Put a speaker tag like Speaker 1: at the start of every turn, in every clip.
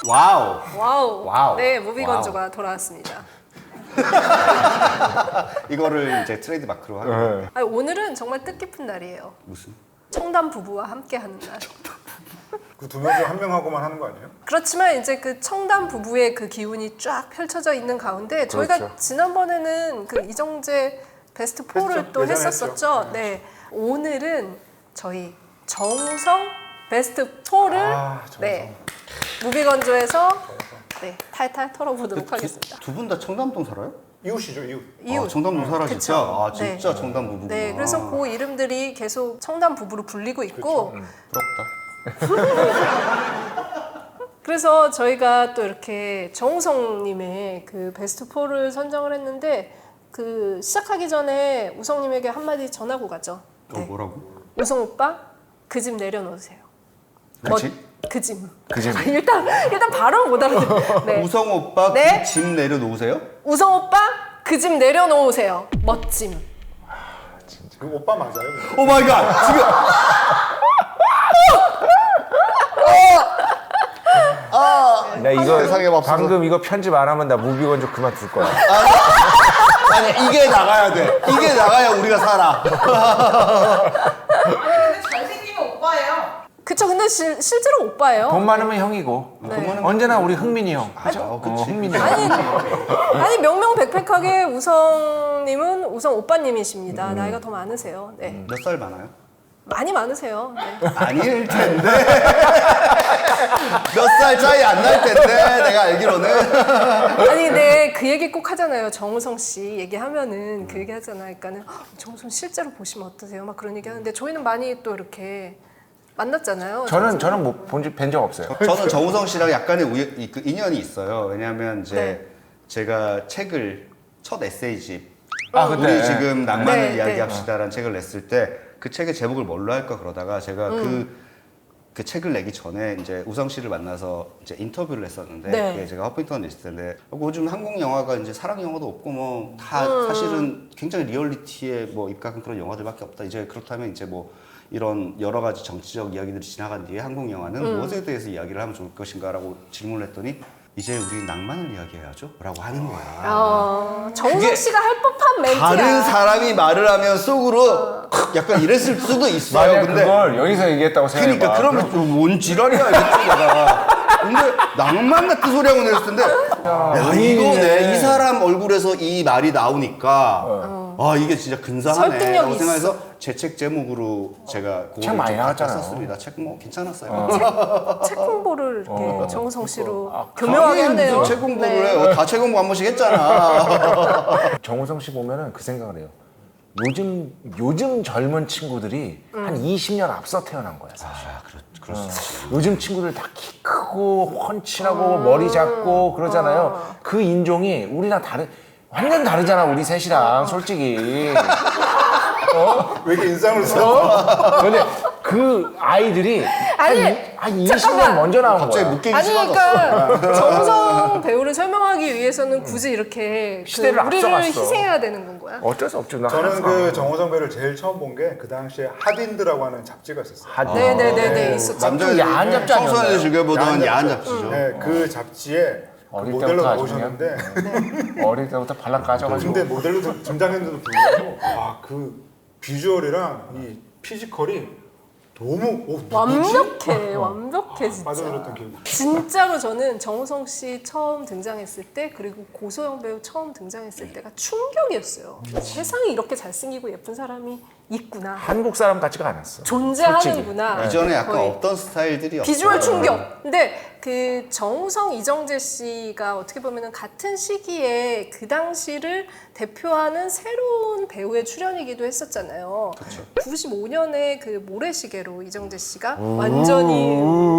Speaker 1: 와우.
Speaker 2: 와우. 네,
Speaker 1: 와우.
Speaker 2: 무비건조가 돌아왔습니다.
Speaker 1: 이거를 이제 트레이드 마크로 하는.
Speaker 3: 네.
Speaker 2: 아니, 오늘은 정말 뜻깊은 날이에요.
Speaker 1: 무슨?
Speaker 2: 청담 부부와 함께하는 날.
Speaker 3: 그 두 명 중 한 명하고만 하는 거 아니에요?
Speaker 2: 그렇지만 이제 그 청담 부부의 그 기운이 쫙 펼쳐져 있는 가운데 저희가
Speaker 3: 그렇죠.
Speaker 2: 지난번에는 그 이정재 베스트 4를
Speaker 3: 했죠.
Speaker 2: 또
Speaker 3: 예전에
Speaker 2: 했었었죠.
Speaker 3: 했죠.
Speaker 2: 네. 오늘은 저희 정우성 베스트 4를 네. 무비건조에서 네, 탈탈 털어보도록 하겠습니다.
Speaker 1: 두 분 다 청담동 살아요?
Speaker 3: 이웃이죠, 이웃.
Speaker 2: 이웃.
Speaker 1: 아, 청담동 살아
Speaker 2: 그쵸.
Speaker 1: 진짜? 아 진짜
Speaker 2: 네.
Speaker 1: 청담 부부구나.
Speaker 2: 네, 그래서 그 이름들이 계속 청담 부부로 불리고 있고
Speaker 1: 부럽다.
Speaker 2: 그래서 저희가 또 이렇게 정우성님의 그 베스트 4를 선정을 했는데 그 시작하기 전에 우성님에게 한마디 전하고 가죠. 네.
Speaker 1: 뭐라고?
Speaker 2: 우성 오빠 그 집 내려놓으세요.
Speaker 1: 그 집?
Speaker 2: 그 집.
Speaker 3: 그 집.
Speaker 2: 일단 발음 못 알아듣. 네.
Speaker 1: 우성 오빠
Speaker 2: 네?
Speaker 1: 그 집 내려놓으세요?
Speaker 2: 우성 오빠 그 집 내려놓으세요. 멋짐.
Speaker 3: 그 오빠 맞아요? 근데?
Speaker 1: 오 마이 갓! 지금
Speaker 4: 나 이거
Speaker 1: 세상에 맙소사.
Speaker 4: 방금 이거 편집 안 하면 나 무비건조 그만둘 거야.
Speaker 1: 아니 이게 나가야 돼. 이게 나가야 우리가 살아.
Speaker 5: 근데 잘생기면 오빠예요.
Speaker 2: 그쵸. 근데 실제로 오빠예요.
Speaker 4: 돈 많으면 형이고
Speaker 2: 네.
Speaker 4: 언제나 우리 흥민이 형.
Speaker 1: 그죠? 그치.
Speaker 4: 흥민이 형.
Speaker 2: 아니 명명백백하게 우성님은 우성 오빠님이십니다. 나이가 더 많으세요. 네.
Speaker 1: 몇 살 많아요?
Speaker 2: 많이 많으세요. 네.
Speaker 1: 아닐 텐데. 몇 살 차이 안 날 텐데 내가 알기로는.
Speaker 2: 아니 근데 그 얘기 꼭 하잖아요. 정우성 씨 얘기하면은 그 얘기 하잖아요. 그러니까는 정우성 실제로 보시면 어떠세요? 막 그런 얘기 하는데 저희는 많이 또 이렇게 만났잖아요.
Speaker 4: 저는 뭐 뵌 적 없어요.
Speaker 1: 저는 정우성 씨랑 약간의 그 인연이 있어요. 왜냐하면 이제
Speaker 2: 네.
Speaker 1: 제가 책을 첫 에세이집
Speaker 4: 그때.
Speaker 1: 우리 지금 낭만을
Speaker 2: 네,
Speaker 1: 이야기합시다라는 책을 냈을 때 그 책의 제목을 뭘로 할까 그러다가 제가 그 책을 내기 전에 이제 우성 씨를 만나서 이제 인터뷰를 했었는데
Speaker 2: 네.
Speaker 1: 그게 제가 허핑턴에 있을 텐데 요즘 한국 영화가 이제 사랑 영화도 없고 뭐 다 사실은 굉장히 리얼리티에 뭐 입각한 그런 영화들밖에 없다. 이제 그렇다면 이제 뭐 이런 여러 가지 정치적 이야기들이 지나간 뒤에 한국 영화는 무엇에 대해서 이야기를 하면 좋을 것인가라고 질문을 했더니 이제 우리 낭만을 이야기해야죠 라고 하는 거야.
Speaker 2: 정우성 씨가 할 법한 멘트야.
Speaker 1: 다른 사람이 말을 하면 속으로 약간 이랬을 수도 있어요.
Speaker 4: 만약
Speaker 1: 근데
Speaker 4: 그걸 여기서 얘기했다고 생각해봐.
Speaker 1: 그러니까 그러면 뭔 지랄이야 이랬죠 내가. 근데 낭만 같은 소리 하고 내렸을 텐데 야 이거네. 이 사람 얼굴에서 이 말이 나오니까 아 이게 진짜 근사하네
Speaker 2: 설득력이
Speaker 1: 라고 생각해서 제 책 제목으로 제가
Speaker 4: 책 많이 나왔잖아요.
Speaker 1: 썼습니다. 책 뭐 괜찮았어요.
Speaker 2: 책 홍보를 이렇게 정우성 씨로 교묘하게 하네요.
Speaker 1: 무슨 책 공부를
Speaker 2: 네.
Speaker 1: 해요. 다 책 공부 한 번씩 했잖아.
Speaker 4: 정우성 씨 보면은 그 생각을 해요. 요즘 젊은 친구들이 한 20년 앞서 태어난 거야 사실.
Speaker 1: 그럴 수 있지.
Speaker 4: 요즘 친구들 다 키 크고 훤칠하고 머리 작고 그러잖아요. 그 인종이 우리랑 완전 다르잖아 우리 셋이랑 솔직히.
Speaker 3: 왜 이렇게 인상을 써?
Speaker 4: 근데 그 아이들이
Speaker 2: 아니,
Speaker 4: 한 20년
Speaker 2: 잠깐만.
Speaker 4: 먼저 나온
Speaker 1: 갑자기
Speaker 4: 거야.
Speaker 1: 묶이기
Speaker 2: 아니
Speaker 1: 싫어졌어.
Speaker 2: 그러니까 정우성 배우를 설명하기 위해서는 굳이 이렇게
Speaker 4: 시대를
Speaker 2: 우리를
Speaker 4: 앞서갔어.
Speaker 2: 희생해야 되는 건 거야?
Speaker 4: 어쩔 수 없죠. 나
Speaker 3: 저는
Speaker 4: 항상.
Speaker 3: 그 정호성 배를 제일 처음 본 게 그 당시에 핫인드라고 하는 잡지가 있었어요.
Speaker 2: 네네네네 있었죠.
Speaker 1: 남자애들이
Speaker 4: 야한 잡지 아니었나요?
Speaker 1: 청소년들 즐겨보던
Speaker 3: 야한
Speaker 1: 야한
Speaker 3: 잡지.
Speaker 1: 잡지죠.
Speaker 3: 네, 그 잡지에 그
Speaker 4: 어릴
Speaker 3: 모델로
Speaker 4: 때부터 아주
Speaker 3: 나오셨는데
Speaker 4: 어릴 때부터 발랑 까져가지고.
Speaker 3: 근데 모델로 등장했는데도 불구하고 그 비주얼이랑 이 피지컬이 너무
Speaker 2: 완벽해 진짜.
Speaker 3: 빠져들었던 기억이.
Speaker 2: 진짜로 저는 정우성 씨 처음 등장했을 때 그리고 고소영 배우 처음 등장했을 때가 충격이었어요. 세상에 이렇게 잘생기고 예쁜 사람이 있구나.
Speaker 4: 한국 사람 같지가 않았어.
Speaker 2: 존재하는구나.
Speaker 1: 이전에 약간
Speaker 2: 거의.
Speaker 1: 없던 스타일들이
Speaker 2: 비주얼
Speaker 1: 없어요.
Speaker 2: 충격. 근데 그 정우성, 이정재 씨가 어떻게 보면은 같은 시기에 그 당시를 대표하는 새로운 배우의 출연이기도 했었잖아요.
Speaker 1: 그렇죠.
Speaker 2: 95년에 그 모래시계로 이정재 씨가 완전히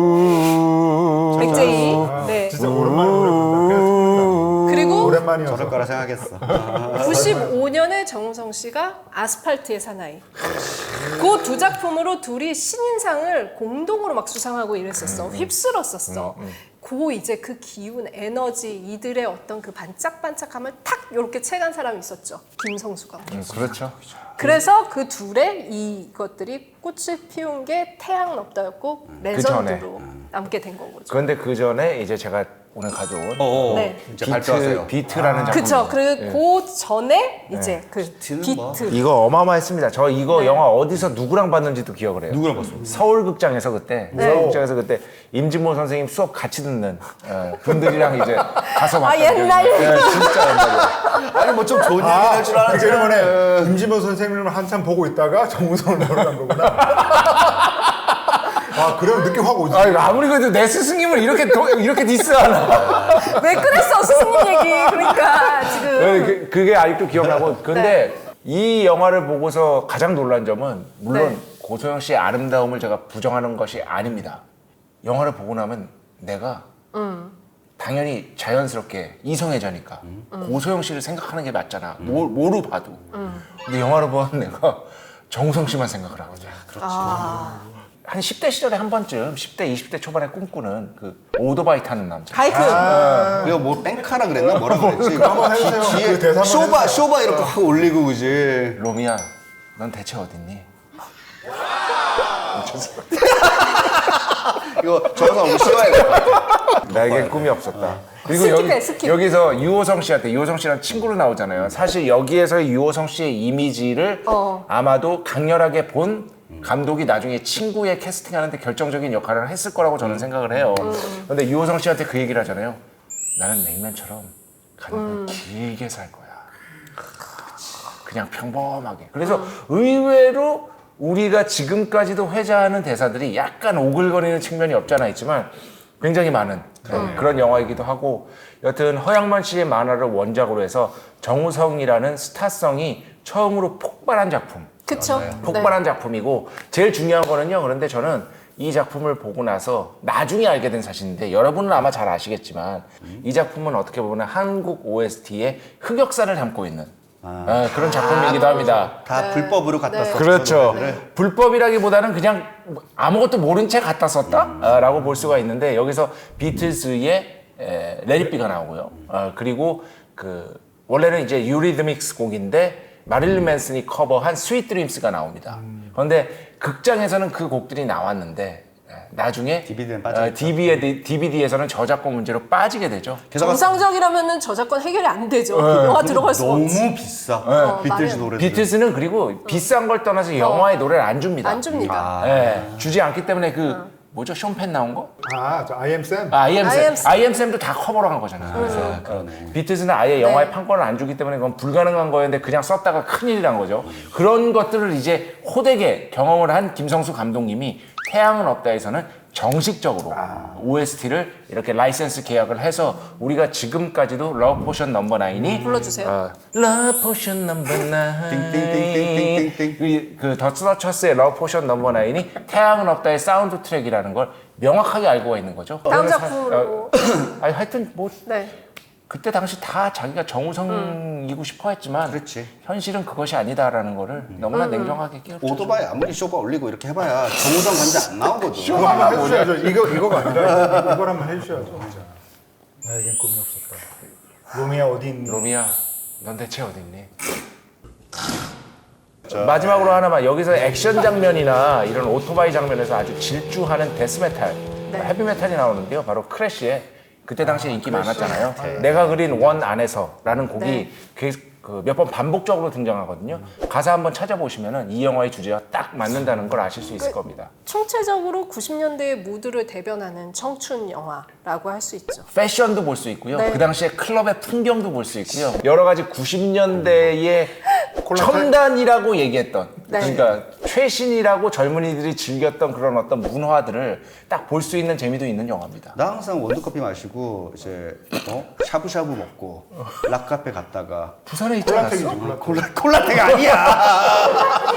Speaker 2: 백제이. 네.
Speaker 3: 진짜 오랜만에 노래 부른다.
Speaker 2: 그리고
Speaker 3: 오랜만이어서.
Speaker 1: 저럴 거라 생각했어.
Speaker 2: 95년에 정우성 씨가 아스팔트의 사나이. 그 두 작품으로 둘이 신인상을 공동으로 막 수상하고 이랬었어. 휩쓸었었어. 이제 그 기운, 에너지, 이들의 어떤 그 반짝반짝함을 탁 이렇게 채간 사람이 있었죠. 김성수가.
Speaker 4: 그렇죠.
Speaker 2: 그래서 그 둘의 이것들이 꽃을 피운 게 태양 넙다였고 레전드로 남게 된 거죠.
Speaker 4: 그런데 그 전에 이제 제가 오늘 가져온
Speaker 2: 네.
Speaker 1: 이제 발표하세요.
Speaker 4: 비트라는 작품.
Speaker 2: 그쵸. 그리고 그 전에 이제 그
Speaker 1: 비트는 뭐.
Speaker 2: 비트.
Speaker 4: 이거 어마어마했습니다. 저 이거 영화 어디서 누구랑 봤는지도 기억을 해요.
Speaker 1: 누구랑 봤어?
Speaker 4: 서울극장에서 그때 임진모 선생님 수업 같이 듣는 분들이랑 이제 가서 봤던
Speaker 2: 옛날
Speaker 4: 기억이 나요. 진짜 옛날이에요.
Speaker 1: 아니 뭐 좀 좋은 얘기 할 줄
Speaker 3: 그러니까
Speaker 1: 알았지.
Speaker 3: 이번에 임진모 선생님을 한참 보고 있다가 정우성을 보러 간 거구나. 아, 그럼 느낌 확 오지.
Speaker 4: 아무리 그래도 내 스승님을 이렇게 디스하나.
Speaker 2: 왜 그랬어 스승님 얘기. 그러니까 지금
Speaker 4: 그게 아직도 기억나고. 근데 이 영화를 보고서 가장 놀란 점은 물론 고소영 씨의 아름다움을 제가 부정하는 것이 아닙니다. 영화를 보고 나면 내가 당연히 자연스럽게 이성애자니까 고소영 씨를 생각하는 게 맞잖아. 뭐로 봐도. 근데 영화를 보면 내가 정우성 씨만 생각을 하거든. 한 10대 시절에 한 번쯤 10대 20대 초반에 꿈꾸는 그 오토바이 타는 남자.
Speaker 2: 바이크.
Speaker 1: 이거 뭐 뺑카라 그랬나? 뭐라 그랬지?
Speaker 3: 한번 해주세요.
Speaker 1: 뒤에
Speaker 3: 그 대사 한번 해주세요.
Speaker 1: 쇼바 이렇게 확 올리고 그지.
Speaker 4: 로미야, 넌 대체 어딨니?
Speaker 1: 이거 정상 오늘 씌워야겠다.
Speaker 4: 나에겐 꿈이 없었다. 그리고
Speaker 2: 스킵해, 스킵.
Speaker 4: 여기서 유호성 씨랑 친구로 나오잖아요. 사실 여기에서 유호성 씨의 이미지를 아마도 강렬하게 본 감독이 나중에 친구의 캐스팅하는데 결정적인 역할을 했을 거라고 저는 생각을 해요. 그런데 유호성 씨한테 그 얘기를 하잖아요. 나는 냉면처럼 가능한 길게 살 거야. 그냥 평범하게. 그래서 의외로 우리가 지금까지도 회자하는 대사들이 약간 오글거리는 측면이 없잖아 있지만 굉장히 많은 그런 영화이기도 하고, 여튼 허양만 씨의 만화를 원작으로 해서 정우성이라는 스타성이 처음으로 폭발한 작품.
Speaker 2: 그쵸.
Speaker 4: 폭발한 작품이고, 제일 중요한 거는요, 그런데 저는 이 작품을 보고 나서 나중에 알게 된 사실인데 여러분은 아마 잘 아시겠지만 이 작품은 어떻게 보면 한국 OST의 흑역사를 담고 있는 그런 작품이기도 합니다.
Speaker 1: 다 불법으로 갖다 썼죠.
Speaker 4: 그렇죠. 불법이라기보다는 그냥 아무것도 모른 채 갖다 썼다라고 볼 수가 있는데, 여기서 비틀즈의 레디비가 나오고요. 그리고 그 원래는 이제 유리드믹스 곡인데 마릴린 맨슨이 커버한 스윗 드림스가 나옵니다. 그런데 극장에서는 그 곡들이 나왔는데 나중에
Speaker 1: DVD는 빠지겠죠.
Speaker 4: DVD에서는 저작권 문제로 빠지게 되죠.
Speaker 2: 정상적이라면은 저작권 해결이 안 되죠. 영화 들어갈 수가 없지.
Speaker 1: 너무 비싸. 비틀즈 노래.
Speaker 4: 비틀즈는 그리고 비싼 걸 떠나서 영화의 노래를 안 줍니다.
Speaker 2: 안 줍니다.
Speaker 4: 주지 않기 때문에 그 뭐죠? 숀펜 나온 거?
Speaker 3: 저 I am Sam.
Speaker 4: I am Sam도 다 커버로 한 거잖아요. 그래서 비틀즈는 아예 영화의 판권을 안 주기 때문에 그건 불가능한 거였는데 그냥 썼다가 큰일이란 거죠. 그런 것들을 이제 호되게 경험을 한 김성수 감독님이 태양은 없다에서는 정식적으로 OST를 이렇게 라이센스 계약을 해서 우리가 지금까지도 러브 포션 넘버 9이
Speaker 2: 불러주세요.
Speaker 4: 러브 포션 넘버 9
Speaker 1: 띵띵띵띵띵띵띵.
Speaker 4: 그 더 스너처스의 러브 포션 넘버 9이 태양은 없다의 사운드 트랙이라는 걸 명확하게 알고 있는 거죠.
Speaker 2: 다음 작품으로.
Speaker 4: 하여튼 뭐
Speaker 2: 네.
Speaker 4: 그때 당시 다 자기가 정우성이고 싶어 했지만
Speaker 1: 그렇지.
Speaker 4: 현실은 그것이 아니다라는 거를 너무나 냉정하게 깨우쳐.
Speaker 1: 오토바이 아무리 쇼바 올리고 이렇게 해봐야 정우성 간지 안 나오거든.
Speaker 3: 이거 한번 해주셔야죠. 이거가 아니라 이걸 한번 해주셔야죠. 진짜. 나에겐 꿈이 없었다. 로미야 어디 있니?
Speaker 4: 로미야, 넌 대체 어딨니? 마지막으로 하나만, 여기서 액션 장면이나 이런 오토바이 장면에서 아주 질주하는 데스메탈, 헤비메탈이 나오는데요. 바로 크래쉬의 그때 당시에 인기 많았잖아요. 내가 그린 원 안에서라는 곡이 몇 번 반복적으로 등장하거든요. 가사 한번 찾아보시면은 이 영화의 주제와 딱 맞는다는 걸 아실 수 있을 겁니다.
Speaker 2: 총체적으로 90년대의 무드를 대변하는 청춘 영화라고 할 수 있죠.
Speaker 4: 패션도 볼 수 있고요.
Speaker 2: 네.
Speaker 4: 그 당시에 클럽의 풍경도 볼 수 있고요. 여러 가지 90년대의 첨단이라고 얘기했던, 그러니까 최신이라고 젊은이들이 즐겼던 그런 어떤 문화들을 딱 볼 수 있는 재미도 있는 영화입니다.
Speaker 1: 나 항상 원두커피 마시고 이제 샤브샤브 먹고 락카페 갔다가
Speaker 4: 부산에 있지 않았어?
Speaker 1: 콜라텍 아니야.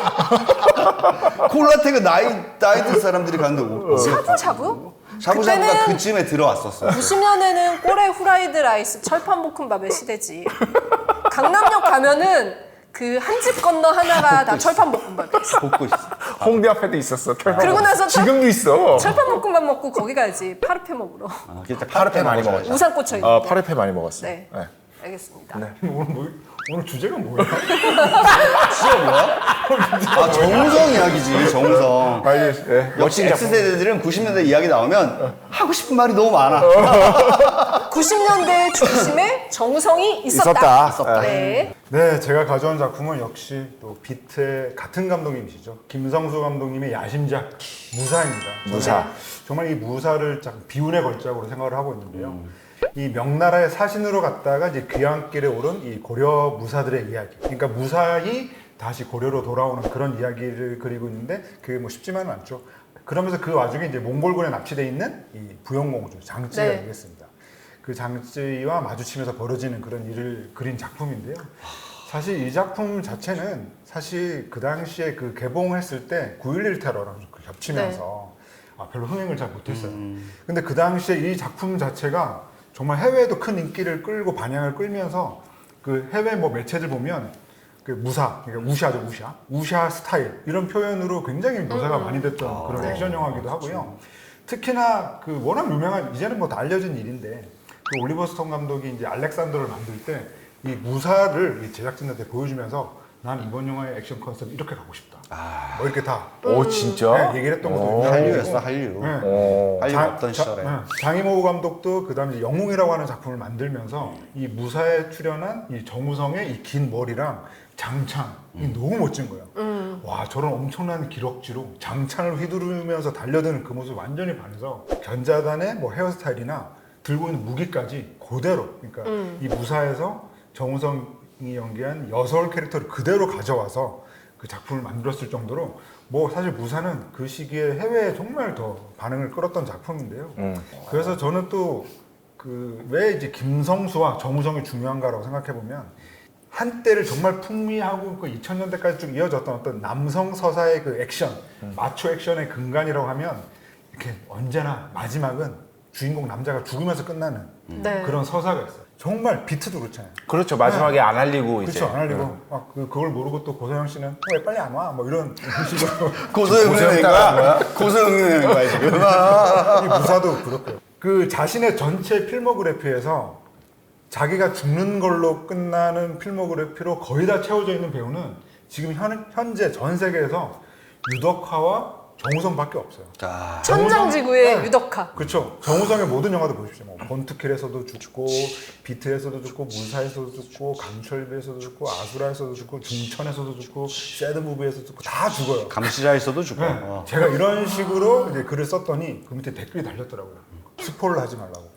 Speaker 1: 콜라텍은 나이 든 사람들이 가는데
Speaker 2: 샤브샤브?
Speaker 1: 샤브샤브가 그쯤에 들어왔었어.
Speaker 2: 90년에는 꼬레 후라이드 라이스 철판볶음밥의 시대지. 강남역 가면은 그 한 집 건너 하나가 다 철판볶음밥이었어.
Speaker 1: 볶고 있어.
Speaker 4: 홍대 앞에도 있었어.
Speaker 2: 그러고 나서
Speaker 4: 지금도 있어.
Speaker 2: 철판볶음밥 먹고 거기 가야지. 파르페 먹으러.
Speaker 1: 아, 진짜
Speaker 4: 파르페 많이
Speaker 1: 먹어줘야지.
Speaker 4: 먹었죠.
Speaker 2: 우산 꽂혀 있는.
Speaker 4: 파르페 많이 먹었어.
Speaker 2: 네.
Speaker 4: 네.
Speaker 2: 알겠습니다.
Speaker 3: 오늘 주제가 뭐야?
Speaker 1: 아, 정우성 이야기지, 정우성.
Speaker 4: 빨리. 네.
Speaker 1: 역시
Speaker 4: 멋진 작품.
Speaker 1: X세대들은 90년대 이야기 나오면 하고 싶은 말이 너무 많아.
Speaker 2: 90년대 중심에 정우성이
Speaker 4: 있었다.
Speaker 2: 네.
Speaker 3: 네, 제가 가져온 작품은 역시 또 비트의 같은 감독님이시죠. 김성수 감독님의 야심작 무사입니다.
Speaker 4: 무사.
Speaker 3: 저는 정말 이 무사를 비운의 걸작으로 생각을 하고 있는데요. 이 명나라의 사신으로 갔다가 이제 귀향길에 오른 이 고려 무사들의 이야기. 그러니까 무사히 다시 고려로 돌아오는 그런 이야기를 그리고 있는데 그게 뭐 쉽지만은 않죠. 그러면서 그 와중에 이제 몽골군에 납치돼 있는 이 부영공주 장찌가
Speaker 2: 네.
Speaker 3: 되겠습니다. 그 장찌와 마주치면서 벌어지는 그런 일을 그린 작품인데요. 사실 이 작품 자체는 사실 그 당시에 그 개봉했을 때 9.11 테러랑 겹치면서 별로 흥행을 잘 못했어요. 근데 그 당시에 이 작품 자체가 정말 해외에도 큰 인기를 끌고 반향을 끌면서 그 해외 뭐 매체들 보면 그 무사, 그러니까 우샤죠, 우샤 스타일 이런 표현으로 굉장히 묘사가 많이 됐던 그런 액션 영화기도 하고요. 특히나 그 워낙 유명한 이제는 뭐 다 알려진 일인데 그 올리버 스톤 감독이 이제 알렉산더를 만들 때 이 무사를 이 제작진한테 보여주면서 난 이번 영화의 액션 컨셉 이렇게 가고 싶다. 뭐 이렇게 다
Speaker 4: 오 진짜?
Speaker 3: 네, 얘기를 했던 것도
Speaker 1: 한류였어, 한류.
Speaker 3: 네.
Speaker 1: 한류 없던 시절에.
Speaker 3: 장이모우 감독도 그다음에 이제 영웅이라고 하는 작품을 만들면서 이 무사에 출연한 이 정우성의 이 긴 머리랑 장창이 너무 멋진 거예요. 와 저런 엄청난 기럭지로 장창을 휘두르면서 달려드는 그 모습 완전히 반해서 견자단의 뭐 헤어스타일이나 들고 있는 무기까지 그대로 그러니까 이 무사에서 정우성이 연기한 여서울 캐릭터를 그대로 가져와서 그 작품을 만들었을 정도로 뭐 사실 무사는 그 시기에 해외에 정말 더 반응을 끌었던 작품인데요. 그래서 저는 또 그 왜 이제 김성수와 정우성이 중요한가라고 생각해 보면 한때를 정말 풍미하고 그 2000년대까지 쭉 이어졌던 어떤 남성 서사의 그 액션, 마초 액션의 근간이라고 하면 이렇게 언제나 마지막은 주인공 남자가 죽으면서 끝나는
Speaker 2: 네.
Speaker 3: 그런 서사가 있어요. 정말 비트도 그렇잖아요.
Speaker 4: 그렇죠. 마지막에 안 알리고 이제.
Speaker 3: 그렇죠. 안 알리고 막 그걸 모르고 또 고소영 씨는 왜 빨리 안 와? 뭐 이런 식으로
Speaker 1: 고소영의 거야? 고소영의 거야, 지금.
Speaker 3: 이 무사도 그렇고요. 그 자신의 전체 필모그래피에서 자기가 죽는 걸로 끝나는 필모그래피로 거의 다 채워져 있는 배우는 지금 현재 전 세계에서 유덕화와 정우성밖에 없어요.
Speaker 1: 자,
Speaker 2: 천장지구의 유덕화.
Speaker 3: 그렇죠. 정우성의 모든 영화도 보십시오. 뭐 번트킬에서도 죽고, 비트에서도 죽고, 무사에서도 죽고, 강철비에서도 죽고, 아수라에서도 죽고, 중천에서도 죽고, 새드무비에서도 죽고 다 죽어요.
Speaker 1: 감시자에서도 죽고.
Speaker 3: 네. 제가 이런 식으로 이제 글을 썼더니 그 밑에 댓글이 달렸더라고요. 스포를 하지 말라고.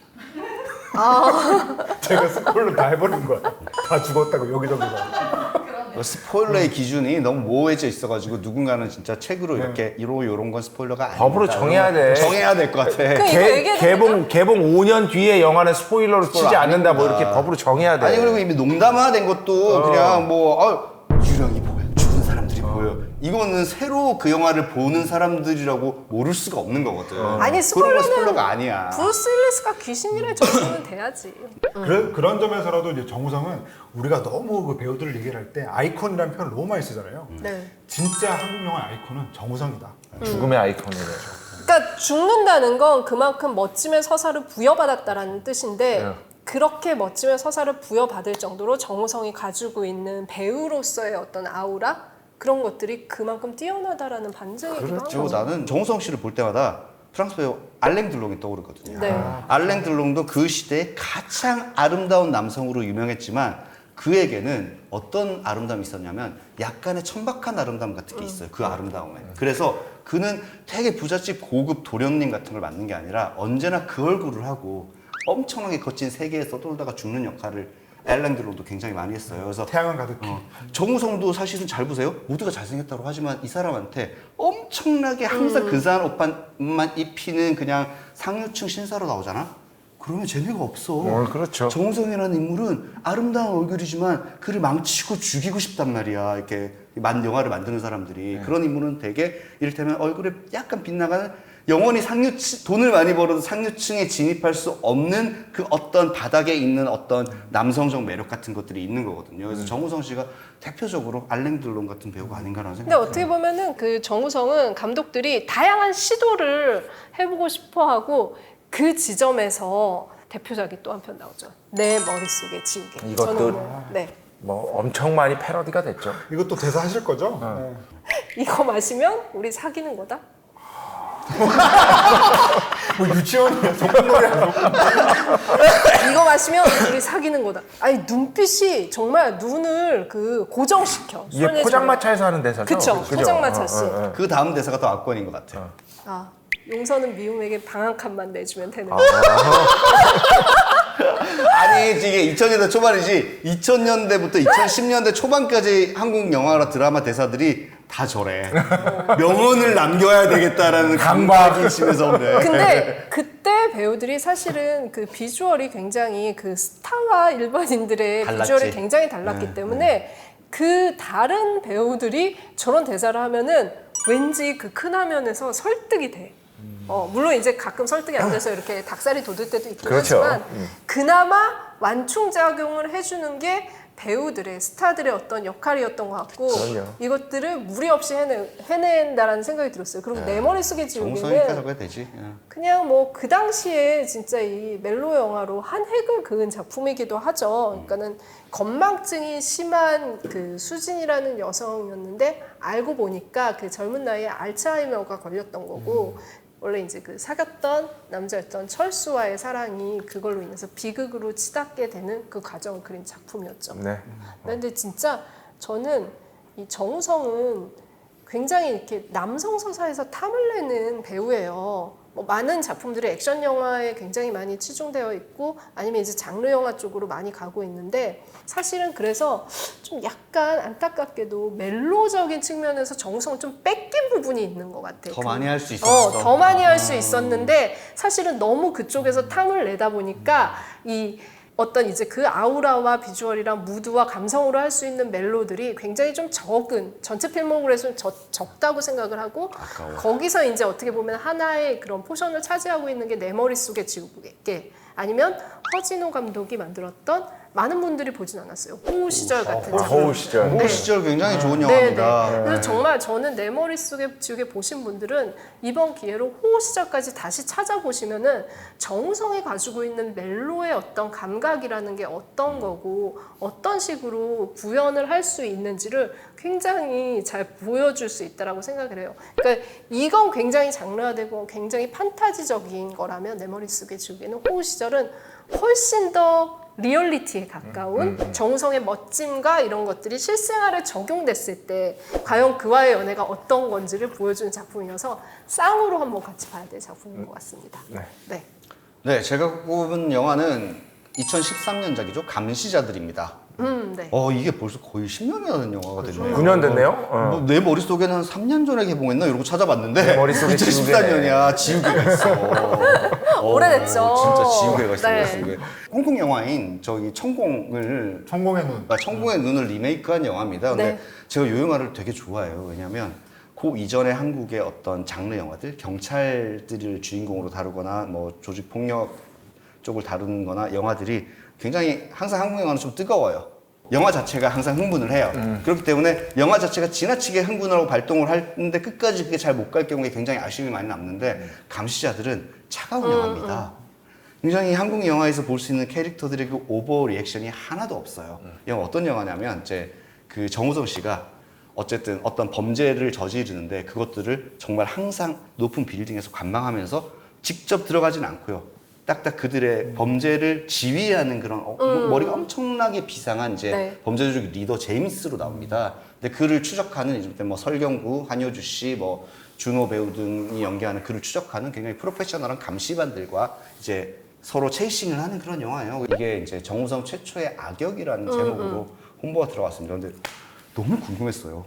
Speaker 3: 제가 스포를 다 해버린 거야. 다 죽었다고 여기저기가.
Speaker 1: 스포일러의 기준이 너무 모호해져 있어가지고 누군가는 진짜 책으로 이렇게 요런 건 스포일러가 아니다.
Speaker 4: 법으로 정해야 돼.
Speaker 1: 정해야 될 것 같아.
Speaker 2: 그 이거 얘기해도
Speaker 4: 개봉 5년 뒤에 영화는 스포일러를 치지 않는다. 뭐 이렇게 법으로 정해야 돼.
Speaker 1: 아니 그리고 이미 농담화된 것도 그냥 뭐 유령이 보여, 죽은 사람들이 보여. 이거는 새로 그 영화를 보는 사람들이라고 모를 수가 없는 거거든.
Speaker 2: 아니
Speaker 1: 그런 건
Speaker 2: 스포일러는
Speaker 1: 스포일러가 아니야.
Speaker 2: 브루스 윌리스가 귀신이라 정도는 돼야지.
Speaker 3: 그런 점에서라도 이제 정우성은 우리가 너무 그 배우들을 얘기를 할 때 아이콘이라는 표현을 너무 많이 쓰잖아요.
Speaker 2: 네.
Speaker 3: 진짜 한국 영화 아이콘은 정우성이다.
Speaker 4: 죽음의 아이콘이래.
Speaker 2: 그러니까 죽는다는 건 그만큼 멋짐의 서사를 부여받았다라는 뜻인데
Speaker 4: 네.
Speaker 2: 그렇게 멋짐의 서사를 부여받을 정도로 정우성이 가지고 있는 배우로서의 어떤 아우라 그런 것들이 그만큼 뛰어나다라는 반증이기도 한
Speaker 1: 그리고
Speaker 2: 거죠.
Speaker 1: 나는 정우성 씨를 볼 때마다 프랑스 배우 알랭 들롱이 떠오르거든요.
Speaker 2: 네.
Speaker 1: 알랭 들롱도 그 시대에 가장 아름다운 남성으로 유명했지만 그에게는 어떤 아름다움이 있었냐면 약간의 천박한 아름다움 같은 게 있어요. 그 아름다움에. 그래서 그는 되게 부잣집 고급 도련님 같은 걸 맡는 게 아니라 언제나 그 얼굴을 하고 엄청나게 거친 세계에 서돌다가 죽는 역할을 알랭 들롱도 굉장히 많이 했어요. 그래서
Speaker 3: 태양은 가득히.
Speaker 1: 정우성도 사실은 잘 보세요. 모두가 잘생겼다고 하지만 이 사람한테 엄청나게 항상 근사한 옷만 입히는 그냥 상류층 신사로 나오잖아. 그러면 재미가 없어.
Speaker 4: 그렇죠.
Speaker 1: 정우성이라는 인물은 아름다운 얼굴이지만 그를 망치고 죽이고 싶단 말이야. 이렇게 영화를 만드는 사람들이. 그런 인물은 되게 이를테면 얼굴에 약간 빗나가는 영원히 돈을 많이 벌어도 상류층에 진입할 수 없는 그 어떤 바닥에 있는 어떤 남성적 매력 같은 것들이 있는 거거든요. 그래서 정우성 씨가 대표적으로 알랭 들론 같은 배우가 아닌가라는
Speaker 2: 근데
Speaker 1: 생각이
Speaker 2: 어떻게 보면은 그 정우성은 감독들이 다양한 시도를 해보고 싶어하고 그 지점에서 대표작이 또 한 편 나오죠. 내 머릿속에 지우개.
Speaker 4: 이것도-
Speaker 2: 저는 오늘, 네.
Speaker 4: 뭐 엄청 많이 패러디가 됐죠.
Speaker 3: 이것도 대사 하실 거죠? 네.
Speaker 2: 이거 마시면 우리 사귀는 거다.
Speaker 3: 뭐 유치원이야, 소꿉놀이 아니고.
Speaker 2: 이거 마시면 우리 사귀는 거다. 아니 눈빛이 정말 눈을 그 고정시켜.
Speaker 4: 이게
Speaker 2: 손에
Speaker 4: 포장마차에서 하는 대사죠.
Speaker 2: 그쵸, 포장마차 씨.
Speaker 1: 그 다음 대사가 더 압권인 것 같아요.
Speaker 2: 아, 용서는 미움에게 방 한 칸만 내주면 되는.
Speaker 1: 아니 이게 2000년대 초반이지 2000년대부터 2010년대 초반까지 한국 영화 드라마 대사들이 다 저래. 명언을 남겨야 되겠다라는 강박이 심해서 그래.
Speaker 2: 근데 그때 배우들이 사실은 그 비주얼이 굉장히 그 스타와 일반인들의
Speaker 1: 달랐지.
Speaker 2: 비주얼이 굉장히 달랐기 때문에 그 다른 배우들이 저런 대사를 하면은 왠지 그 큰 화면에서 설득이 돼. 물론 이제 가끔 설득이 안 돼서 이렇게 닭살이 돋을 때도 있긴
Speaker 4: 그렇죠.
Speaker 2: 하지만 그나마 완충작용을 해주는 게 배우들의 스타들의 어떤 역할이었던 것 같고
Speaker 4: 그럼요.
Speaker 2: 이것들을 무리 없이 해낸다라는 생각이 들었어요. 그리고 내 머릿속에
Speaker 1: 정우성이니까
Speaker 2: 지우개는
Speaker 1: 저거야 되지.
Speaker 2: 그냥 뭐 그 당시에 진짜 이 멜로 영화로 한 획을 그은 작품이기도 하죠. 그러니까는 건망증이 심한 그 수진이라는 여성이었는데 알고 보니까 그 젊은 나이에 알츠하이머가 걸렸던 거고 원래 이제 그 사귀었던 남자였던 철수와의 사랑이 그걸로 인해서 비극으로 치닫게 되는 그 과정을 그린 작품이었죠.
Speaker 4: 네.
Speaker 2: 근데 진짜 저는 이 정우성은 굉장히 이렇게 남성 서사에서 탐을 내는 배우예요. 뭐 많은 작품들이 액션 영화에 굉장히 많이 치중되어 있고 아니면 이제 장르 영화 쪽으로 많이 가고 있는데 사실은 그래서 좀 약간 안타깝게도 멜로적인 측면에서 정우성을 좀 뺏긴 부분이 있는 것 같아요.
Speaker 1: 더 많이 할 수 있었어.
Speaker 2: 더 많이 할 수 있었는데 사실은 너무 그쪽에서 탐을 내다 보니까 이 어떤 이제 그 아우라와 비주얼이랑 무드와 감성으로 할 수 있는 멜로들이 굉장히 좀 적은 전체 필모그래프는 적다고 생각을 하고
Speaker 1: 아까워.
Speaker 2: 거기서 이제 어떻게 보면 하나의 그런 포션을 차지하고 있는 게 내 머릿속에 지우개 아니면 허진호 감독이 만들었던 많은 분들이 보진 않았어요. 호우 시절 같은 작품.
Speaker 4: 호우 시절.
Speaker 1: 그 시절 굉장히 좋은
Speaker 2: 네,
Speaker 1: 영화입니다.
Speaker 2: 네. 그래서 정말 저는 내 머릿속에 지우개 보신 분들은 이번 기회로 호우 시절까지 다시 찾아보시면은 정우성이 가지고 있는 멜로의 어떤 감각이라는 게 어떤 거고 어떤 식으로 구현을 할 수 있는지를 굉장히 잘 보여줄 수 있다라고 생각을 해요. 그러니까 이건 굉장히 장르화되고 굉장히 판타지적인 거라면 내 머릿속에 지우개는 호우 시절은 훨씬 더 리얼리티에 가까운 정우성의 멋짐과 이런 것들이 실생활에 적용됐을 때 과연 그와의 연애가 어떤 건지를 보여주는 작품이어서 쌍으로 한번 같이 봐야 될 작품인 것 같습니다.
Speaker 4: 네.
Speaker 2: 네.
Speaker 1: 네, 제가 꼽은 영화는 2013년작이죠. 감시자들입니다.
Speaker 2: 네.
Speaker 1: 이게 벌써 거의 10년이나 된 영화가 됐네요.
Speaker 4: 9년 됐네요.
Speaker 1: 뭐, 내 머릿속에는 한 3년 전에 개봉했나 이러고 찾아봤는데
Speaker 4: 내 머릿속에
Speaker 1: 2014년이야. 지우개가 있어.
Speaker 2: 오래됐죠.
Speaker 1: 진짜 지우개가 있어.
Speaker 2: 네.
Speaker 1: 머릿속에. 홍콩 영화인 저기 청공을
Speaker 3: 천공의 눈.
Speaker 1: 청공의 눈을 리메이크한 영화입니다. 근데
Speaker 2: 네.
Speaker 1: 제가 이 영화를 되게 좋아해요. 왜냐하면 그 이전에 한국의 어떤 장르 영화들, 경찰들을 주인공으로 다루거나 뭐 조직 폭력 쪽을 다루는 거나 영화들이 굉장히 항상 한국 영화는 좀 뜨거워요. 영화 자체가 항상 흥분을 해요. 그렇기 때문에 영화 자체가 지나치게 흥분하고 발동을 하는데 끝까지 그게 잘 못 갈 경우에 굉장히 아쉬움이 많이 남는데 감시자들은 차가운 영화입니다. 굉장히 한국 영화에서 볼 수 있는 캐릭터들의 그 오버 리액션이 하나도 없어요. 영화 어떤 영화냐면 이제 그 정우성 씨가 어쨌든 어떤 범죄를 저지르는데 그것들을 정말 항상 높은 빌딩에서 관망하면서 직접 들어가진 않고요. 딱딱 그들의 범죄를 지휘하는 그런 머리가 엄청나게 비상한 이제
Speaker 2: 네.
Speaker 1: 범죄조직 리더 제임스로 나옵니다. 근데 그를 추적하는 이제 뭐 설경구, 한효주 씨, 뭐 준호 배우 등이 연기하는 그를 추적하는 굉장히 프로페셔널한 감시반들과 이제 서로 체이싱을 하는 그런 영화예요. 이게 이제 정우성 최초의 악역이라는 제목으로 홍보가 들어갔습니다. 근데 너무 궁금했어요.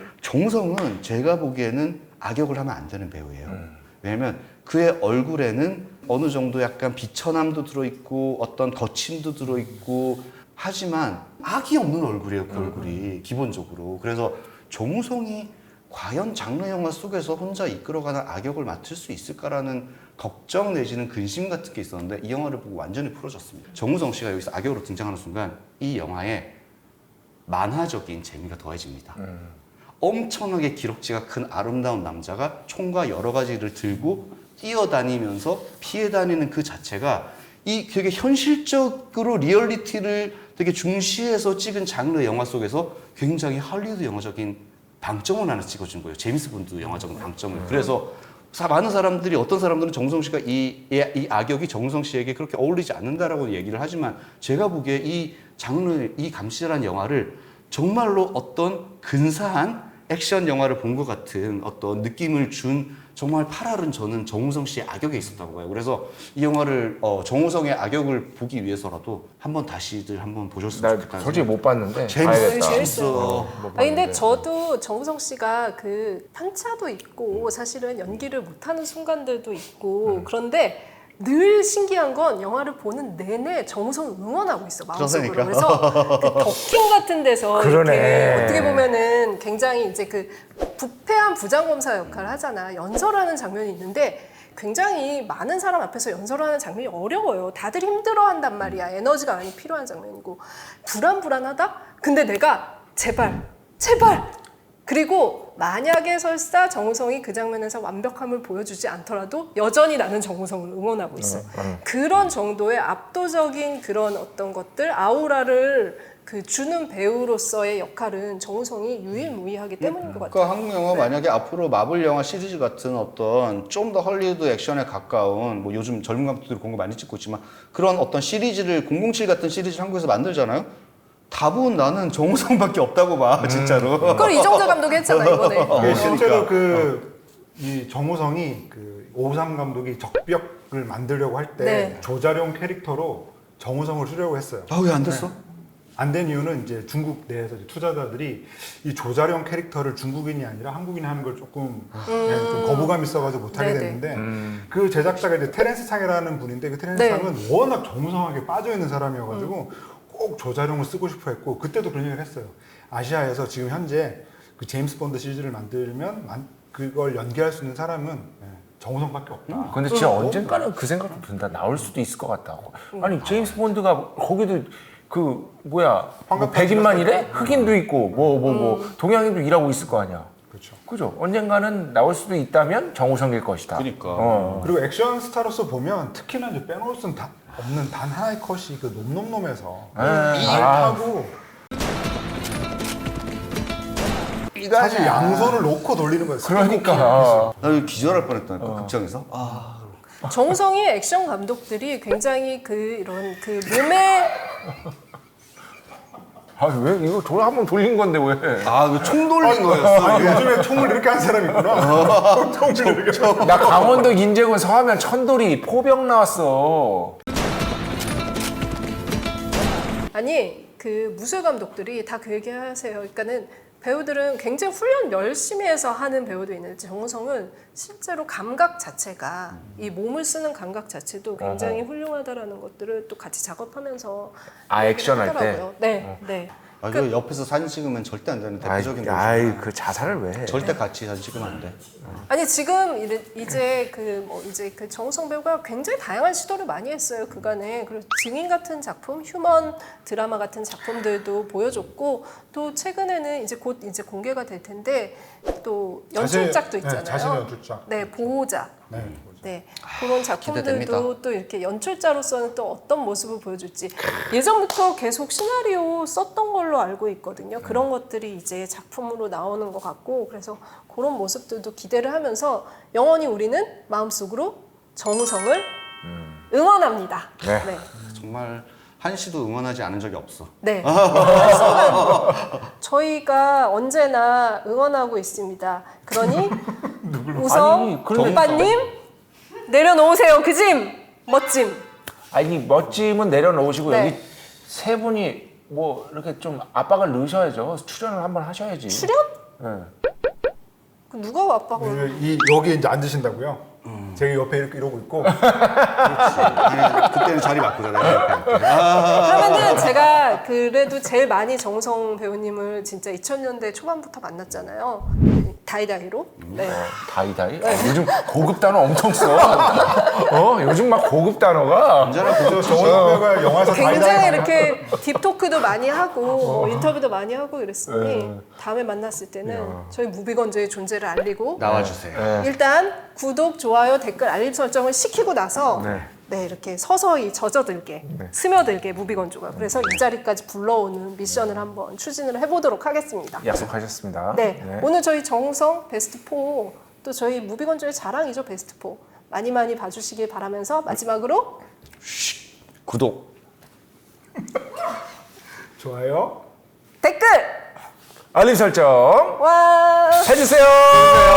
Speaker 1: 정우성은 제가 보기에는 악역을 하면 안 되는 배우예요. 왜냐면 그의 얼굴에는 어느 정도 약간 비천함도 들어있고 어떤 거침도 들어있고 하지만 악이 없는 얼굴이에요. 그 얼굴이 기본적으로. 그래서 정우성이 과연 장르 영화 속에서 혼자 이끌어가는 악역을 맡을 수 있을까라는 걱정 내지는 근심 같은 게 있었는데 이 영화를 보고 완전히 풀어졌습니다. 정우성 씨가 여기서 악역으로 등장하는 순간 이 영화에 만화적인 재미가 더해집니다. 엄청나게 기럭지가 큰 아름다운 남자가 총과 여러 가지를 들고 뛰어다니면서 피해 다니는 그 자체가 이 되게 현실적으로 리얼리티를 되게 중시해서 찍은 장르 영화 속에서 굉장히 할리우드 영화적인 방점을 하나 찍어준 거예요. 제임스 본드 영화적인 방점을. 그래서 많은 사람들이 어떤 사람들은 정우성 씨가 이 악역이 정우성 씨에게 그렇게 어울리지 않는다라고 얘기를 하지만 제가 보기에 이 장르, 이 감시자라는 영화를 정말로 어떤 근사한 액션 영화를 본 것 같은 어떤 느낌을 준 정말 8알은 저는 정우성 씨의 악역에 있었다고 봐요. 그래서 이 영화를 정우성의 악역을 보기 위해서라도 다시들 한번 보셨으면
Speaker 4: 나
Speaker 1: 좋겠다는
Speaker 4: 솔직히 못 봤는데
Speaker 1: 재밌어요.
Speaker 4: 봐야겠다.
Speaker 1: 재밌어.
Speaker 2: 근데 저도 정우성 씨가 그 편차도 있고 사실은 연기를 못하는 순간들도 있고 그런데 늘 신기한 건 영화를 보는 내내 정우성을 응원하고 있어 마음속으로.
Speaker 1: 그러니까.
Speaker 2: 그래서 그 더킹 같은 데서
Speaker 4: 그러네.
Speaker 2: 이렇게 어떻게 보면은 굉장히 이제 그 부패한 부장검사 역할을 하잖아. 연설하는 장면이 있는데 굉장히 많은 사람 앞에서 연설하는 장면이 어려워요. 다들 힘들어한단 말이야. 에너지가 많이 필요한 장면이고 불안하다. 근데 내가 제발 그리고 만약에 설사 정우성이 그 장면에서 완벽함을 보여주지 않더라도 여전히 나는 정우성을 응원하고 있어. 그런 정도의 압도적인 그런 어떤 것들, 아우라를 그 주는 배우로서의 역할은 정우성이 유일무이하기 때문인 것 같아요.
Speaker 1: 그러니까 한국 영화 만약에 앞으로 마블 영화 시리즈 같은 어떤 좀 더 헐리우드 액션에 가까운 뭐 요즘 젊은 감독들이 그런 거 많이 찍고 있지만 그런 어떤 시리즈를 007 같은 시리즈를 한국에서 만들잖아요. 답은 나는 정우성밖에 없다고 봐 진짜로.
Speaker 2: 그걸 이정재 감독이 했잖아 이번에.
Speaker 3: 실제로 이 정우성이 그 오삼 감독이 적벽을 만들려고 할 때
Speaker 2: 네.
Speaker 3: 조자룡 캐릭터로 정우성을 쓰려고 했어요.
Speaker 1: 아 왜 안 됐어?
Speaker 3: 안 된 이유는 이제 중국 내에서 이제 투자자들이 이 조자룡 캐릭터를 중국인이 아니라 한국인이 하는 걸 조금 그냥 좀 거부감 있어가지고 못하게
Speaker 2: 네네.
Speaker 3: 됐는데 그 제작자가 이제 테렌스 창이라는 분인데 그 테렌스
Speaker 2: 네.
Speaker 3: 창은 워낙 정우성하게 빠져 있는 사람이어가지고 꼭 조자룡을 쓰고 싶어 했고 그때도 그런 얘기를 했어요. 아시아에서 지금 현재 그 제임스 본드 시리즈를 만들면 그걸 연기할 수 있는 사람은 정우성밖에 없다.
Speaker 4: 근데 진짜 언젠가는 그 생각도 든다. 나올 수도 있을 것 같다. 아니 제임스 본드가 거기도 그 뭐야 뭐 백인만 일해? 흑인도 있고 뭐 동양인도 일하고 있을 거 아니야.
Speaker 3: 그렇죠.
Speaker 4: 그죠? 언젠가는 나올 수도 있다면 정우성일 것이다.
Speaker 1: 그러니까.
Speaker 3: 그리고 액션 스타로서 보면 특히나 이제 빼놓을 수 없는 단 하나의 컷이 그 놈놈놈에서 하고 사실 양손을 놓고 돌리는 거예요.
Speaker 4: 그러니까
Speaker 1: 나 여기 기절할 뻔했다니까 극장에서.
Speaker 2: 정우성이 액션 감독들이 굉장히 이런 몸에
Speaker 4: 왜 이거 한번 돌린 건데 왜?
Speaker 1: 이거 총 돌린 거였어.
Speaker 3: 요즘에 총을 이렇게 하는 사람이 있구나. 총을 이렇게.
Speaker 4: 나 강원도 인제군 서하면 천돌이 포병 나왔어.
Speaker 2: 아니 그 무술 감독들이 다 그 얘기 하세요. 그러니까는 배우들은 굉장히 훈련 열심히 해서 하는 배우도 있는데 정우성은 실제로 감각 자체가 이 몸을 쓰는 감각 자체도 굉장히 훌륭하다라는 것들을 또 같이 작업하면서
Speaker 4: 액션 할 때.
Speaker 2: 하더라고요. 네, 네.
Speaker 1: 그 옆에서 사진 찍으면 절대 안 되는 대표적인 거죠.
Speaker 4: 그 자살을 왜 해?
Speaker 1: 절대 같이 사진 찍으면 안 돼.
Speaker 2: 아니 지금 이제 그 정우성 배우가 굉장히 다양한 시도를 많이 했어요 그간에. 그리고 증인 같은 작품, 휴먼 드라마 같은 작품들도 보여줬고 또 최근에는 이제 곧 이제 공개가 될 텐데 또 연출작도 있잖아요.
Speaker 3: 자신의 연출작.
Speaker 2: 네, 보호자.
Speaker 3: 네.
Speaker 2: 네, 그런 작품들도
Speaker 1: 기대됩니다.
Speaker 2: 또 이렇게 연출자로서는 또 어떤 모습을 보여줄지 예전부터 계속 시나리오 썼던 걸로 알고 있거든요. 그런 것들이 이제 작품으로 나오는 것 같고 그래서 그런 모습들도 기대를 하면서 영원히 우리는 마음속으로 정우성을 응원합니다.
Speaker 4: 네.
Speaker 2: 네.
Speaker 1: 정말 한시도 응원하지 않은 적이 없어.
Speaker 2: 네. 한순간 저희가 언제나 응원하고 있습니다. 그러니 우성
Speaker 4: 아니, 그런데-
Speaker 2: 오빠님 내려놓으세요. 그 짐 멋짐.
Speaker 4: 아니 멋짐은 내려놓으시고
Speaker 2: 네.
Speaker 4: 여기 세 분이 뭐 이렇게 좀 압박을 넣으셔야죠. 출연을 한번 하셔야지.
Speaker 2: 출연?
Speaker 4: 네.
Speaker 2: 그 누가 압박을?
Speaker 3: 여기 이제 앉으신다고요? 제가 옆에 이렇게 이러고 있고
Speaker 1: 아니, 그때는 자리 바꾸잖아요.
Speaker 2: 그러면은 제가 그래도 제일 많이 정우성 배우님을 진짜 2000년대 초반부터 만났잖아요. 다이다이로. 네.
Speaker 4: 다이다이? 요즘 고급 단어 엄청 써. 요즘 막 고급 단어가.
Speaker 1: 언제나
Speaker 3: 저 정우성 배우가 영화에서
Speaker 2: 굉장히
Speaker 3: 다이다이
Speaker 2: 이렇게 딥토크도 많이 하고 뭐 인터뷰도 많이 하고 이랬으니 다음에 만났을 때는 저희 무비건조의 존재를 알리고
Speaker 1: 나와주세요.
Speaker 2: 일단 구독, 좋아요, 댓글, 알림 설정을 시키고 나서 네, 이렇게 서서히 젖어들게, 스며들게 무비건조가. 그래서 이 자리까지 불러오는 미션을 한번 추진을 해보도록 하겠습니다.
Speaker 4: 약속하셨습니다.
Speaker 2: 네, 오늘 저희 정우성 베스트 4, 또 저희 무비건조의 자랑이죠, 베스트 4. 많이 많이 봐주시길 바라면서 마지막으로
Speaker 1: 구독.
Speaker 3: 좋아요.
Speaker 2: 댓글!
Speaker 4: 알림 설정
Speaker 2: 와!
Speaker 4: 해주세요.